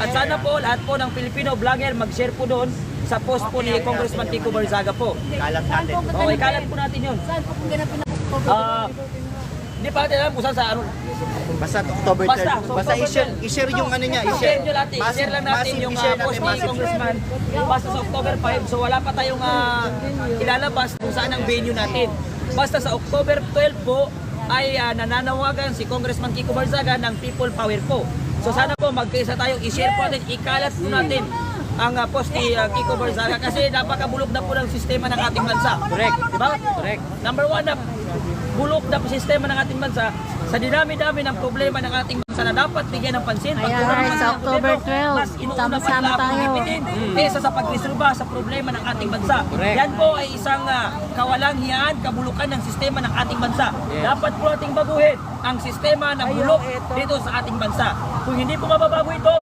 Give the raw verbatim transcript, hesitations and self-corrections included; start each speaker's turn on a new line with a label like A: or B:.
A: At sana po lahat po ng Filipino vlogger mag-share po doon sa post po ni Congressman Kiko Barzaga po.
B: Kalat natin.
A: Okay, kalat po natin yun.
C: Saan po ganapin ang October?
A: Ah, hindi pa natin alam kung saan sa ano.
B: Basta October
A: Basta,
B: third.
A: so
B: Basta
A: October
B: i-share,
A: third.
B: i-share yung ano niya,
A: I-share
B: i-share.
A: nyo natin, i-share lang natin
B: Massive,
A: yung
B: i-share
A: uh, post
B: natin,
A: ni
B: massive.
A: Congressman basta sa October five. So wala pa tayong uh, ilalabas kung saan ang venue natin. Basta sa October twelve po ay uh, nananawagan si Congressman Kiko Barzaga ng People Power po. So sana po magkaisa tayo, i-share po natin, ikalat po natin ang uh, post ni uh, Kiko Barzaga kasi napakabulok na po ng sistema ng ating bansa.
B: Correct.
A: Diba? Correct. Number one na bulok na po sistema ng ating bansa sa dinami-dami ng problema ng ating bansa na dapat bigyan ng pansin.
C: Ayan,
A: Pagkulang
C: guys,
A: naman
C: sa
A: ng
C: October
A: gobyerno,
C: twelve,
A: mas inuuna pa
C: sama-sama
A: nila ang
C: tayo.
A: pilipitin kaysa sa pagresolba sa problema ng ating bansa.
B: Correct.
A: Yan po ay isang uh, kawalang hiyaan, kabulukan ng sistema ng ating bansa.
B: Yes.
A: Dapat po nating baguhin ang sistema ng bulok dito sa ating bansa. Kung hindi po mababago ito,